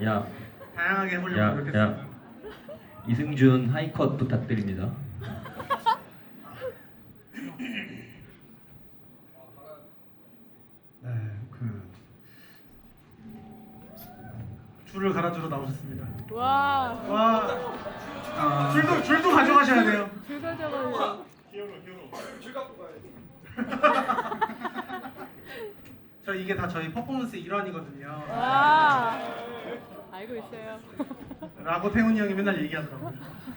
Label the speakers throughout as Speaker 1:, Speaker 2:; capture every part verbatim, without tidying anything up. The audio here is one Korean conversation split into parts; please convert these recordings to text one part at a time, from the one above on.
Speaker 1: 야,
Speaker 2: 다양하게 해보려고
Speaker 1: 야,
Speaker 2: 노력했습니다.
Speaker 1: 야. 이승준 하이컷 부탁드립니다.
Speaker 2: 네, 그 줄을 갈아주러 나오셨습니다.
Speaker 3: 와,
Speaker 2: 와,
Speaker 4: 아,
Speaker 2: 줄도 줄도 가져가셔야 돼요.
Speaker 3: 불가져가요.
Speaker 2: 저 이게 다 저희 퍼포먼스 일환이거든요.
Speaker 3: 와, 알고 있어요.
Speaker 2: 라고 태훈이 형이 맨날 얘기하더라고요.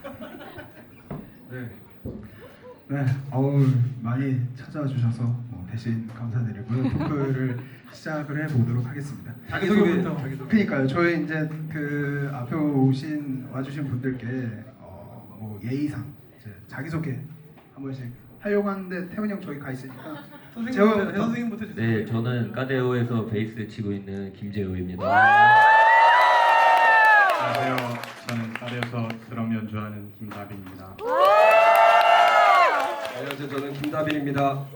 Speaker 4: 네. 네, 어우 많이 찾아와 주셔서 뭐 대신 감사드리고요. 토크를 시작을 해보도록 하겠습니다.
Speaker 2: 자기소개부터. 자기소개.
Speaker 4: 그러니까요. 저희 이제 그 앞에 오신 와주신 분들께 어, 뭐 예의상 이제 자기소개 한 번씩 하려고 하는데 태훈이 형 저기 가 있으니까
Speaker 2: 선생님부터,
Speaker 4: 재호부터.
Speaker 2: 선생님부터 주세요.
Speaker 1: 네, 저는 까데오에서 베이스 치고 있는 김재호입니다.
Speaker 5: 안녕하세요. 저는 까레에서 드럼 연주하는 김다빈입니다.
Speaker 6: 안녕하세요. 저는 김다빈입니다.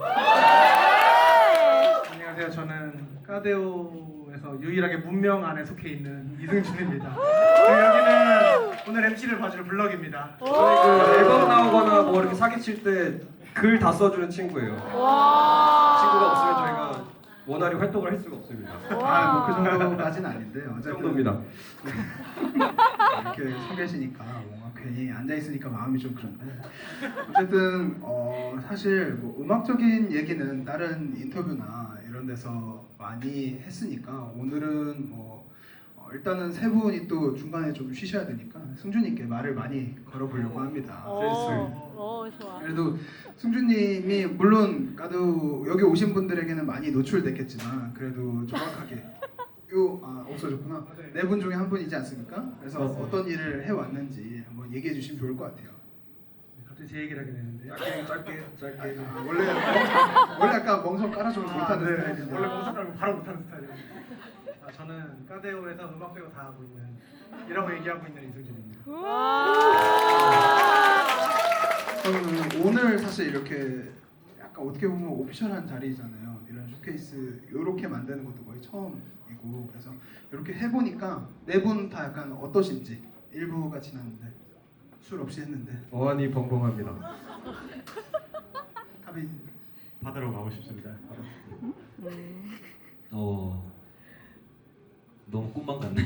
Speaker 2: 안녕하세요. 저는 까데오에서 유일하게 문명 안에 속해 있는 이승준입니다. 그리고 여기는 오늘 엠씨를 봐줄 블럭입니다.
Speaker 6: 저희 그 앨범 나오거나 뭐 이렇게 사기칠 때 글 다 써주는 친구예요.
Speaker 3: 와,
Speaker 6: 친구가 없으면 저희가 원활히 활동을 할 수가 없습니다.
Speaker 4: 아, 뭐 그 정도까지는 아닌데
Speaker 6: 그
Speaker 4: 어쨌든
Speaker 6: 정도입니다.
Speaker 4: 이렇게 서 계시니까 뭔가 괜히 앉아 있으니까 마음이 좀 그런데 어쨌든 어 사실 뭐 음악적인 얘기는 다른 인터뷰나 이런 데서 많이 했으니까 오늘은 뭐 어, 일단은 세 분이 또 중간에 좀 쉬셔야 되니까 승준님께 말을 많이 걸어보려고 합니다.
Speaker 3: 오, 오, 좋아.
Speaker 4: 그래도 승준님이 물론 까도 여기 오신 분들에게는 많이 노출됐겠지만 그래도 정확하게 요, 아 없어졌구나. 네 분 중에 한 분이지 않습니까? 그래서 어떤 일을 해왔는지 한번 얘기해 주시면 좋을 것 같아요.
Speaker 2: 갑자기 제 얘기를 하게 되는데요.
Speaker 4: 짧게 짧게 짧게. 아, 원래 원래 약간 멍석 깔아주면 못하는
Speaker 2: 네.
Speaker 4: 스타일인데.
Speaker 2: 원래 멍석 깔고 바로 못하는 스타일이에요. 아, 저는 까데오에서 음악 배우 다 하고 있는 이라고 얘기하고 있는 이승준입니다.
Speaker 3: 와,
Speaker 4: 저는 오늘 사실 이렇게 약간 어떻게 보면 오피셜한 자리잖아요. 이런 쇼케이스 이렇게 만드는 것도 거의 처음이고 그래서 이렇게 해보니까 네 분 다 약간 어떠신지 일부가 지났는데 술 없이 했는데
Speaker 6: 어안이 벙벙합니다.
Speaker 4: 답이
Speaker 5: 바다로 가고 싶습니다.
Speaker 1: 어, 너무 꿈만 같네요.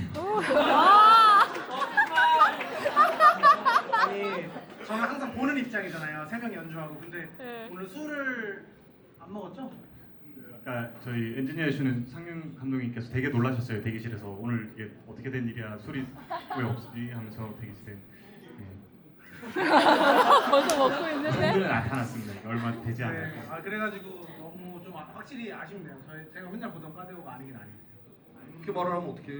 Speaker 2: 아니 저는 항상 보는 입장이잖아요. 세 명이 연주하고 근데
Speaker 3: 네.
Speaker 2: 오늘 술을 안 먹었죠?
Speaker 5: 아까 저희 엔지니어 해주는 상윤 감독님께서 되게 놀라셨어요. 대기실에서 오늘 이게 어떻게 된 일이야 술이 왜 없지 하면서 대기실에
Speaker 3: 벌써 먹고 있는데?
Speaker 5: 오늘 나타났습니다. 얼마 되지
Speaker 2: 네.
Speaker 5: 않아요.
Speaker 2: 아 그래가지고 너무 좀 아- 확실히 아쉽네요. 저희 제가 맨날 보던 까데오가 아니긴 아니에요.
Speaker 6: 그렇게 말을 하면 어떡해.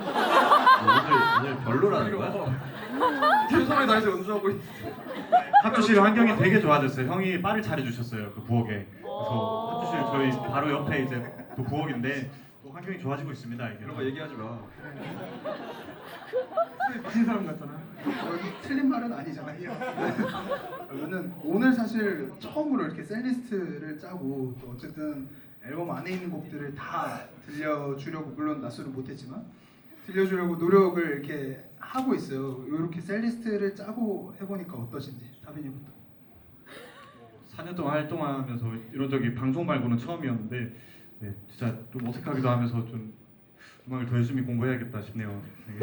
Speaker 1: 오늘 오늘 별로라는 거야?
Speaker 6: 최선을 다해서 연주하고 있.
Speaker 5: 합주실 환경이 되게 좋아졌어요. 형이 바를 차려주셨어요. 그 부엌에. 그래서 합주실 저희 바로 옆에 이제 또 부엌인데 또 환경이 좋아지고 있습니다. 이게.
Speaker 6: 그런 거 얘기하지 마.
Speaker 2: 술 마신 사람 같잖아.
Speaker 4: 여기 틀린 말은 아니잖아요. 저는 오늘 사실 처음으로 이렇게 셀리스트를 짜고 또 어쨌든 앨범 안에 있는 곡들을 다 들려주려고 물론 낮술은 못했지만 들려주려고 노력을 이렇게 하고 있어요. 이렇게 셀리스트를 짜고 해보니까 어떠신지 다빈이부터.
Speaker 5: 사 년 동안 활동하면서 이런 적이 방송 말고는 처음이었는데 네, 진짜 좀 어색하기도 하면서 좀 음악을 더 열심히 공부해야겠다 싶네요. 되게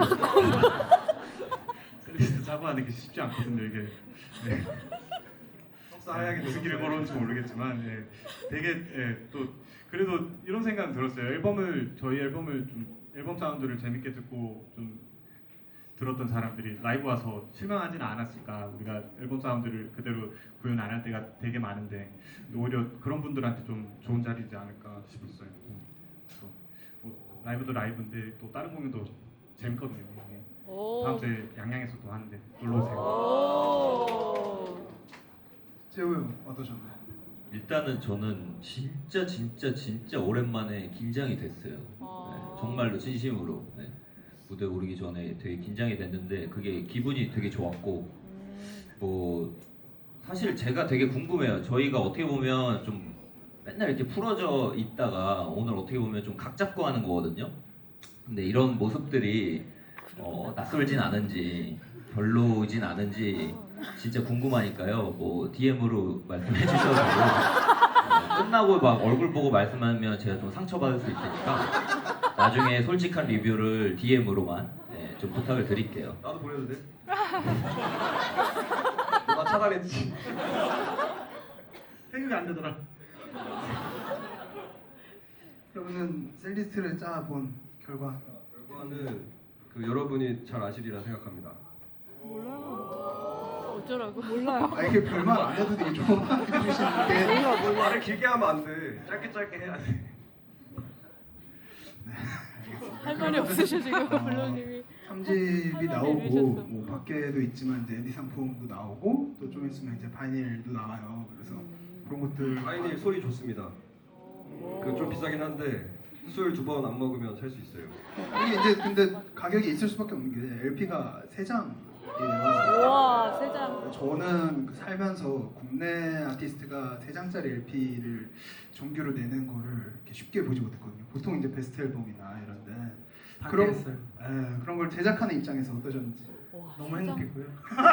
Speaker 5: 셀리스트 짜고 하는 게 쉽지 않거든요 이게. 네.
Speaker 4: 속상하게
Speaker 5: 무슨 길을 걸어온지 모르겠지만 예, 되게 예, 또 그래도 이런 생각은 들었어요. 앨범을 저희 앨범을 좀 앨범 사운드를 재밌게 듣고 좀 들었던 사람들이 라이브 와서 실망하지는 않았을까. 우리가 앨범 사운드를 그대로 구현 안 할 때가 되게 많은데 오히려 그런 분들한테 좀 좋은 자리지 않을까 싶었어요. 그래서 뭐 라이브도 라이브인데 또 다른 공연도 재밌거든요. 예.
Speaker 3: 오.
Speaker 5: 다음 주에 양양에서 또 하는데 놀러 오세요.
Speaker 3: 오.
Speaker 4: 재호 형 어떠셨나요?
Speaker 1: 일단은 저는 진짜 진짜 진짜 오랜만에 긴장이 됐어요. 네, 정말로 진심으로 네. 무대 오르기 전에 되게 긴장이 됐는데 그게 기분이 되게 좋았고 뭐 사실 제가 되게 궁금해요. 저희가 어떻게 보면 좀 맨날 이렇게 풀어져 있다가 오늘 어떻게 보면 좀 각 잡고 하는 거거든요. 근데 이런 모습들이 어, 낯설진 않은지 별로진 않은지 진짜 궁금하니까요. 뭐 디엠으로 말씀해 주셔도 되고 어, 끝나고 막 얼굴 보고 말씀하면 제가 좀 상처받을 수 있으니까 나중에 솔직한 리뷰를 디엠으로만 네, 좀 부탁을 드릴게요.
Speaker 6: 나도 보내도 돼? 누가 차단했지?
Speaker 2: 태그가 안 되더라.
Speaker 4: 그러면은 셀리스트를 짜본 결과
Speaker 6: 결과는 그 여러분이 잘 아시리라 생각합니다.
Speaker 3: 어쩌라고? 몰라요.
Speaker 4: 아 이렇게 별말 안 해도 되게 좋은 말 해주시는데
Speaker 3: 몰라 몰라.
Speaker 6: 말을 길게 하면 안 돼. 짧게 짧게 해야 돼.
Speaker 3: 할 말이 없으셔 지금 블루님이.
Speaker 4: 삼 집이
Speaker 3: 할 말이
Speaker 4: 나오고
Speaker 3: 이러셨어.
Speaker 4: 뭐 밖에도 있지만 이제 앤디 상품도 나오고 또 좀 있으면 이제 바이닐도 나와요. 그래서 그런 것들
Speaker 6: 아이님 소리 좋습니다. 그 좀 비싸긴 한데 술 두 번 안 먹으면 살 수 있어요.
Speaker 4: 이게 이제 근데 가격이 있을 수밖에 없는 게 엘피가 세 장이에요.
Speaker 3: 우와 세 장.
Speaker 4: 저는 그 살면서 국내 아티스트가 세 장짜리 엘피를 정규로 내는 거를 이렇게 쉽게 보지 못했거든요. 보통 이제 베스트 앨범이나 이런데 그런
Speaker 2: 했어요.
Speaker 4: 에, 그런 걸 제작하는 입장에서 어떠셨는지.
Speaker 3: 와,
Speaker 2: 너무
Speaker 3: 세 장.
Speaker 2: 행복했고요.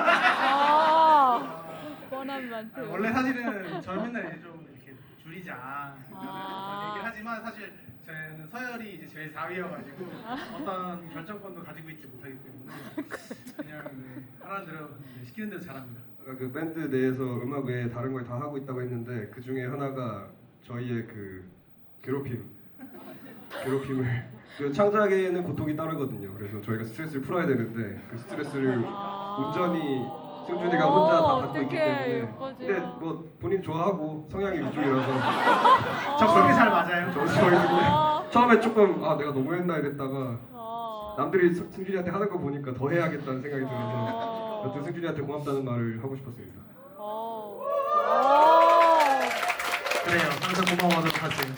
Speaker 3: 아 뻔한 멘트.
Speaker 2: 아, 원래 사실은 저 맨날 이제 좀 이렇게 줄이자
Speaker 3: 아.
Speaker 2: 얘기를 하지만 사실 저는 서열이 이제 제일 사 위여가지고 어떤 결정권도 가지고 있지 못하기 때문에 그냥 네, 하라는 대로 네, 시키는 대로 잘합니다.
Speaker 6: 아까 그 밴드 내에서 음악 외에 다른 걸 다 하고 있다고 했는데 그 중에 하나가 저희의 그 괴롭힘, 괴롭힘을 그 창작에는 고통이 따르거든요. 그래서 저희가 스트레스를 풀어야 되는데 그 스트레스를
Speaker 3: 아.
Speaker 6: 온전히 승준이가 혼자 다 받고 있기
Speaker 3: 어떡해,
Speaker 6: 때문에.
Speaker 3: 예뻐져.
Speaker 6: 근데 뭐 본인 좋아하고 성향이 이쪽이라서
Speaker 2: 적성이 잘 맞아요.
Speaker 6: 저 저희
Speaker 3: 아.
Speaker 6: 처음에 조금 아 내가 너무했나 이랬다가
Speaker 3: 아.
Speaker 6: 남들이 스- 승준이한테 하는 거 보니까 더 해야겠다는 생각이 들어서
Speaker 3: 아.
Speaker 6: 여튼 승준이한테 고맙다는 말을 하고 싶었습니다.
Speaker 3: 어. 아.
Speaker 2: 그래요. 항상 고마워하도록 하세요.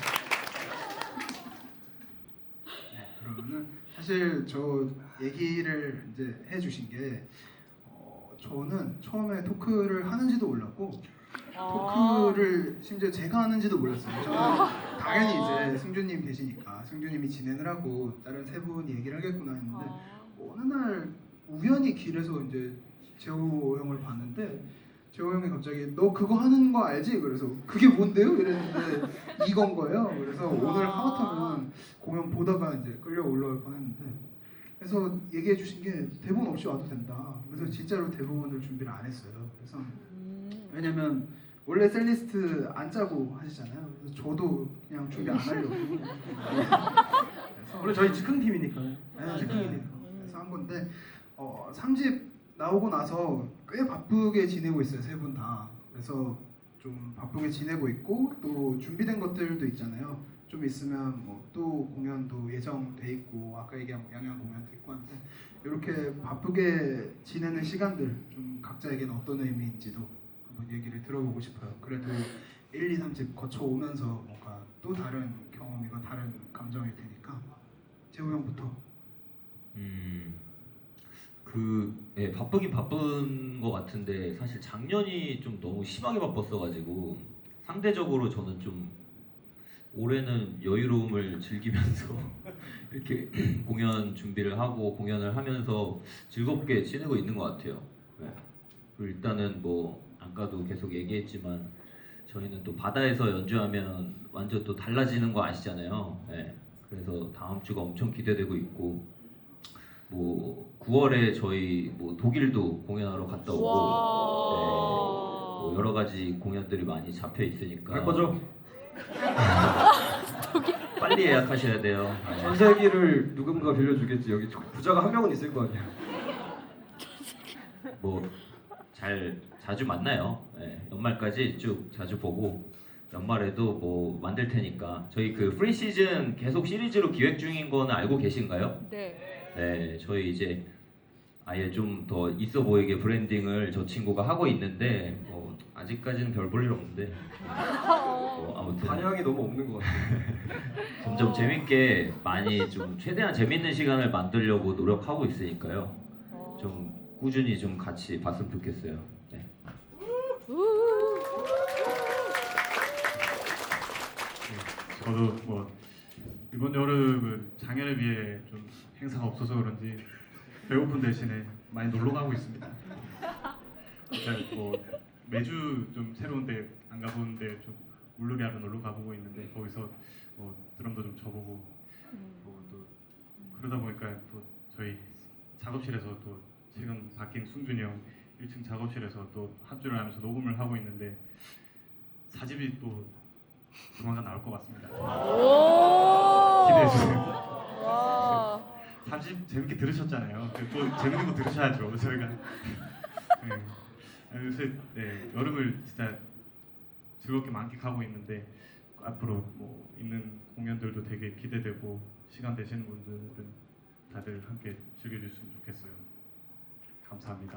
Speaker 4: 네, 그러면은 사실 저 얘기를 이제 해주신 게 어, 저는 처음에 토크를 하는지도 몰랐고
Speaker 3: 아.
Speaker 4: 토크를 심지어 제가 하는지도 몰랐어요. 저는 당연히 이제 승준님 계시니까 승준님이 진행을 하고 다른 세 분이 얘기를 하겠구나 했는데
Speaker 3: 아.
Speaker 4: 어느 날 우연히 길에서 이제 재호 형을 봤는데 재호 형이 갑자기 너 그거 하는 거 알지? 그래서 그게 뭔데요? 이랬는데 이건 거예요. 그래서 오늘 하마터면 공연 보다가 이제 끌려 올라올 뻔했는데 그래서 얘기해 주신 게 대본 없이 와도 된다. 그래서 진짜로 대본을 준비를 안 했어요. 그래서
Speaker 3: 음.
Speaker 4: 왜냐면 원래 셀리스트 안 짜고 하시잖아요. 그래서 저도 그냥 준비 안 하려고. 그래서
Speaker 2: 원래 저희 즉흥 팀이니까요.
Speaker 4: 네,
Speaker 2: 즉흥이니까.
Speaker 4: 그래서 한 건데 어, 삼 집 나오고 나서 꽤 바쁘게 지내고 있어요. 세 분 다. 그래서 좀 바쁘게 지내고 있고 또 준비된 것들도 있잖아요. 좀 있으면 뭐 또 공연도 예정돼 있고 아까 얘기한 뭐 양양 공연도 있고 한데 이렇게 바쁘게 지내는 시간들 좀 각자에게는 어떤 의미인지도 한번 얘기를 들어보고 싶어요. 그래도 일, 이, 삼 집 거쳐오면서 뭔가 또 다른 경험이고 다른 감정일 테니까 재호 형부터.
Speaker 1: 음, 그 예, 바쁘긴 바쁜 것 같은데 사실 작년이 좀 너무 심하게 바빴어가지고 상대적으로 저는 좀 올해는 여유로움을 즐기면서 이렇게 공연 준비를 하고 공연을 하면서 즐겁게 지내고 있는 것 같아요. 네. 그리고 일단은 뭐 아까도 계속 얘기했지만 저희는 또 바다에서 연주하면 완전 또 달라지는 거 아시잖아요. 네. 그래서 다음 주가 엄청 기대되고 있고 뭐 구월에 저희 뭐 독일도 공연하러 갔다 오고
Speaker 3: 와.
Speaker 1: 네. 뭐 여러 가지 공연들이 많이 잡혀 있으니까
Speaker 6: 갈 거죠?
Speaker 1: 빨리 예약하셔야 돼요.
Speaker 6: 전세기를 누군가 빌려주겠지. 여기 부자가 한 명은 있을 거 아니야.
Speaker 1: 뭐 잘 자주 만나요. 네, 연말까지 쭉 자주 보고 연말에도 뭐 만들 테니까 저희 그 프리 시즌 계속 시리즈로 기획 중인 거는 알고 계신가요?
Speaker 3: 네.
Speaker 1: 네, 저희 이제 아예 좀 더 있어 보이게 브랜딩을 저 친구가 하고 있는데 뭐 아직까지는 별 볼 일 없는데 뭐 아무튼
Speaker 6: 반향이 너무 없는 것 같아.
Speaker 1: 점점 재밌게 많이 좀 최대한 재밌는 시간을 만들려고 노력하고 있으니까요. 좀 꾸준히 좀 같이 봤으면 좋겠어요. 네.
Speaker 3: 우.
Speaker 5: 저도 뭐 이번 여름은 작년에 비해 좀 행사가 없어서 그런지 배고픈 대신에 많이 놀러 가고 있습니다. 일단 뭐 매주 좀 새로운 데 안 가보는데 좀 물놀이하러 놀러 가보고 있는데 거기서 뭐 드럼도 좀 쳐보고 뭐 또 그러다 보니까 또 저희 작업실에서 또 지금 바뀐 승준이 형 일 층 작업실에서 또 합주를 하면서 녹음을 하고 있는데 사집이 또 조만간 나올 것 같습니다.
Speaker 3: 오.
Speaker 5: 기대해 주세요.
Speaker 3: 와.
Speaker 5: 사집 재밌게 들으셨잖아요. 또 재밌는 거 들으셔야죠. 저희가 네. 요새 네, 여름을 진짜 즐겁게 만끽하고 있는데 앞으로 뭐 있는 공연들도 되게 기대되고 시간 되시는 분들은 다들 함께 즐겨주셨으면 좋겠어요. 감사합니다.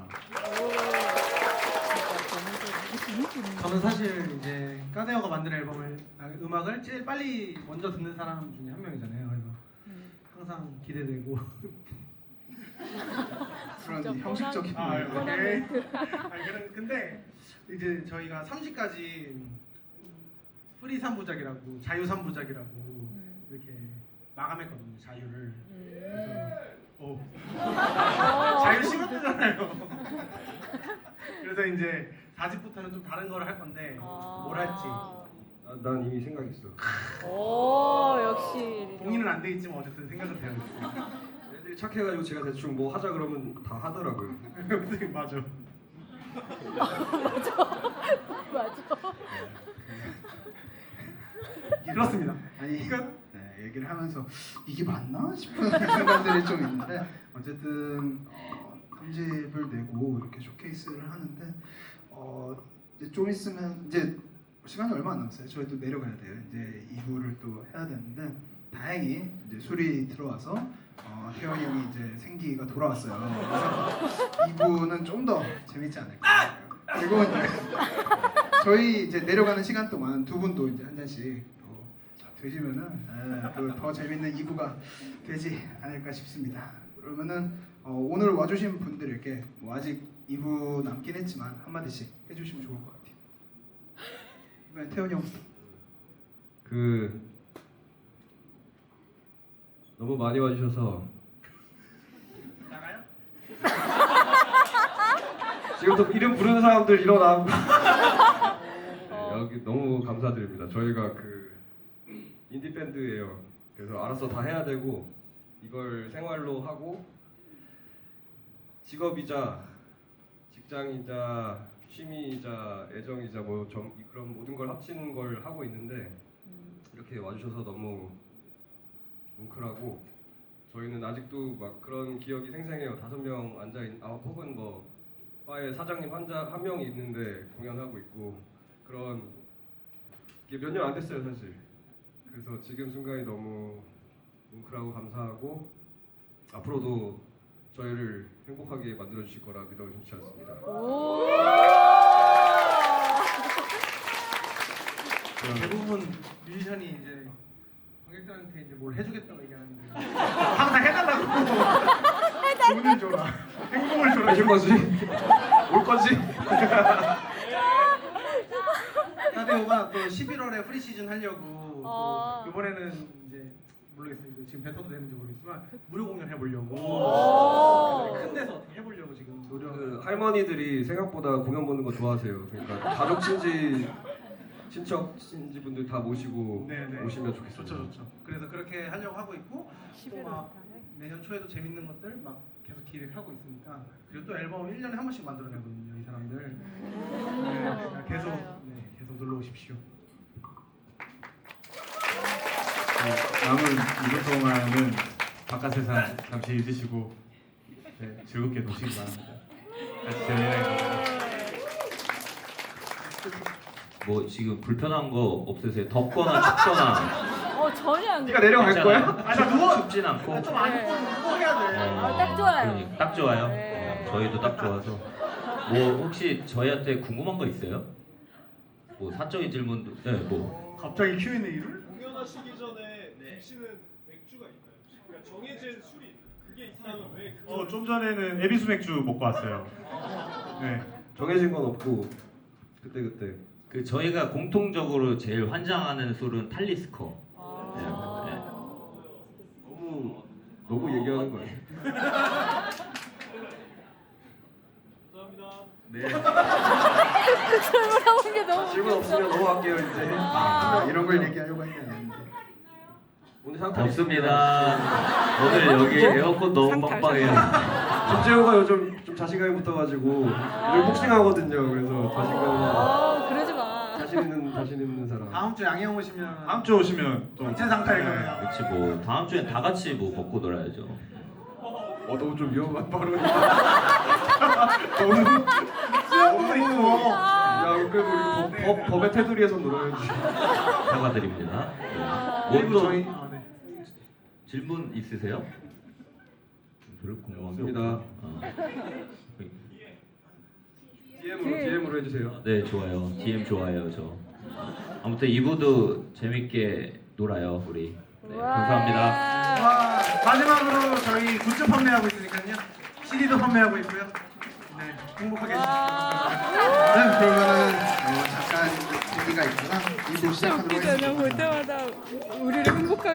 Speaker 2: 저는 사실 이제 까데오가 만든 앨범을 아, 음악을 제일 빨리 먼저 듣는 사람 중에 한 명이잖아요. 그래서 항상 기대되고.
Speaker 4: 그런
Speaker 3: 진짜
Speaker 4: 형식적인
Speaker 2: 아,
Speaker 4: 말.
Speaker 2: 오케이. 아니, 그런- 근데 이제 저희가 삼 지까지 프리 삼 부작이라고 자유 삼 부작이라고
Speaker 3: 음.
Speaker 2: 이렇게 마감했거든요. 자유를.
Speaker 3: 음.
Speaker 2: 오.
Speaker 3: 어.
Speaker 2: 자유 심었잖아요. 그래서 이제 사 집부터는 좀 다른 걸 할 건데
Speaker 3: 아.
Speaker 2: 뭘 할지
Speaker 6: 아, 난 이미 생각했어.
Speaker 3: 오, 역시.
Speaker 2: 동의는 안 돼 있지만 어쨌든 생각은 되어 있어요.
Speaker 6: 애들이 착해가지고 제가 대충 뭐 하자 그러면 다 하더라고요.
Speaker 2: 맞아.
Speaker 3: 맞아.
Speaker 2: 그렇습니다.
Speaker 4: 아니 네, 얘기를 하면서 이게 맞나 싶은 순간들이 좀 있는데 어쨌든 어, 삼 집을 내고 이렇게 쇼케이스를 하는데 어, 이제 좀 있으면 이제 시간이 얼마 안 남았어요. 저희 또 내려가야 돼요. 이제 이 부를 또 해야 되는데 다행히 이제 술이 들어와서 어, 태원이 형이 이제 생기가 돌아왔어요. 그래서 이 부는 좀 더 재밌지 않을까. 그리고 이제 저희 이제 내려가는 시간 동안 두 분도 이제 한 잔씩 또 드시면은 또 더 재밌는 이 부가 되지 않을까 싶습니다. 그러면은 어, 오늘 와주신 분들에게 뭐 아직 이 부 남긴 했지만 한 마디씩 해주시면 좋을 것 같아요. 이번엔 태훈이 형.
Speaker 6: 그 너무 많이 와주셔서
Speaker 2: 나가요?
Speaker 6: 지금부터 이름 부르는 사람들 일어나.
Speaker 3: 어.
Speaker 6: 여기 너무 감사드립니다. 저희가 그 인디 밴드예요. 그래서 알아서 다 해야 되고 이걸 생활로 하고 직업이자 직장이자 취미이자 애정이자 뭐 좀 그런 모든 걸 합친 걸 하고 있는데 이렇게 와주셔서 너무 뭉클하고 저희는 아직도 막 그런 기억이 생생해요. 다섯 명 앉아 있, 아 혹은 뭐 바에 사장님 한자 한 명이 있는데 공연하고 있고 그런 게 몇 년 안 됐어요 사실. 그래서 지금 순간이 너무 뭉클하고 감사하고 앞으로도 저희를 행복하게 만들어 주실 거라 믿어 의심치 않습니다.
Speaker 3: 오.
Speaker 2: 대부분 뮤지션이 이제 관객들한테 이제 뭘 해주겠다고 얘기하는데 항상 해달라고. 돈을 줘라. 행복을 줘라.
Speaker 6: 해줄 거지? 올 거지?
Speaker 2: 까데오가 또 십일월에 프리 시즌 하려고
Speaker 3: 아.
Speaker 2: 또 이번에는 이제 모르겠어요. 이거 지금 뱉어도 되는지 모르겠지만 무료 공연 해보려고
Speaker 3: 오.
Speaker 2: 큰 데서 어떻게 해보려고 지금 노력.
Speaker 6: 그 할머니들이 생각보다 공연 보는 거 좋아하세요. 그러니까 가족 친지 친척 친지 분들 다 모시고
Speaker 2: 네네.
Speaker 6: 오시면 좋겠어요.
Speaker 2: 좋죠, 좋죠. 그래서 그렇게 하려고 하고 있고
Speaker 3: 십일월
Speaker 2: 또 막
Speaker 3: 달에?
Speaker 2: 내년 초에도 재밌는 것들 막 계속 기획하고 있으니까 그리고 또 앨범 일 년에 한 번씩 만들어내거든요, 이 사람들. 네, 계속
Speaker 3: 맞아요.
Speaker 2: 네, 계속 놀러 오십시오.
Speaker 5: 네, 남은 이번 동안은 바깥 세상 잠시 잊으시고 네, 즐겁게 노시기 바랍니다. 같이 재미나게
Speaker 1: 뭐 지금 불편한 거 없으세요? 덥거나 춥거나
Speaker 3: 어, 전혀 안
Speaker 6: 네가 내려갈 거야?
Speaker 2: 아, 나 누워.
Speaker 1: 춥진 않고
Speaker 2: 좀안
Speaker 3: 네.
Speaker 2: 누워 해야 돼.
Speaker 3: 아, 딱 좋아요.
Speaker 1: 그러니까 딱 좋아요.
Speaker 3: 네.
Speaker 1: 어, 저희도 딱 좋아서. 뭐 혹시 저희한테 궁금한 거 있어요? 뭐 사적인 질문도 네, 뭐
Speaker 2: 갑자기 큐 앤 에이를?
Speaker 7: 공연하시기 전에 드시는 맥주가 있나요? 그러니까 정해진 술이 그게 있다면 왜 그걸
Speaker 5: 어, 좀 전에는 에비스 맥주 먹고 왔어요. 네.
Speaker 6: 정해진 건 없고 그때 그때.
Speaker 1: 그 저희가 공통적으로 제일 환장하는 술은 탈리스커.
Speaker 3: 아.
Speaker 6: 너무 너무 얘기하는 거예요. 네.
Speaker 3: 설문하는 게 너무
Speaker 6: 질문 없으면 넘어갈게요 이제.
Speaker 3: 아.
Speaker 4: 이런 걸 얘기하려고 했는데 아닌데.
Speaker 6: 오늘 상탈
Speaker 1: 없습니다. 오늘 여기 에어컨 너무
Speaker 3: 상탈,
Speaker 1: 빵빵해요.
Speaker 6: 김재호가 요즘 좀 자신감이 붙어가지고 늘 복싱하거든요. 그래서 자신감
Speaker 3: 어, 그러지 마.
Speaker 6: 자신 있는 자신 있는 사람.
Speaker 2: 다음 주 양형 오시면
Speaker 5: 다음 주 오시면 또
Speaker 2: 전체 상탈 거예요.
Speaker 1: 그렇지 뭐 다음 주엔 다 같이 뭐 먹고 놀아야죠.
Speaker 6: 어 너무 좀 위험한 발언이다.
Speaker 2: 수영복 입고
Speaker 6: 야 그래도 우리 법, 법, 법의 테두리에서 놀아야지.
Speaker 1: 사과드립니다.
Speaker 2: 그리고
Speaker 1: 뭐또
Speaker 2: 저희 아, 네.
Speaker 1: 질문 있으세요? 별로 궁금한 게
Speaker 6: 없습니다.
Speaker 1: 없고. 아.
Speaker 6: 디엠으로 디엠으로 해주세요.
Speaker 1: 네 좋아요. 디엠 좋아요 저. 아무튼 이 부도 재밌게 놀아요 우리. 네, 감사합니다.
Speaker 2: 와, 마지막으로 저희 굿즈 판매하고 있으니까요. 씨디도 판매하고 있고요. 네, 행복하게 해주시면
Speaker 4: 네, 그러면은 어, 잠깐 얘기가 있구나. 이 부 시작하도록
Speaker 3: 웃기잖아.
Speaker 4: 하겠습니다.
Speaker 3: 볼 때마다 우리를 행복하게.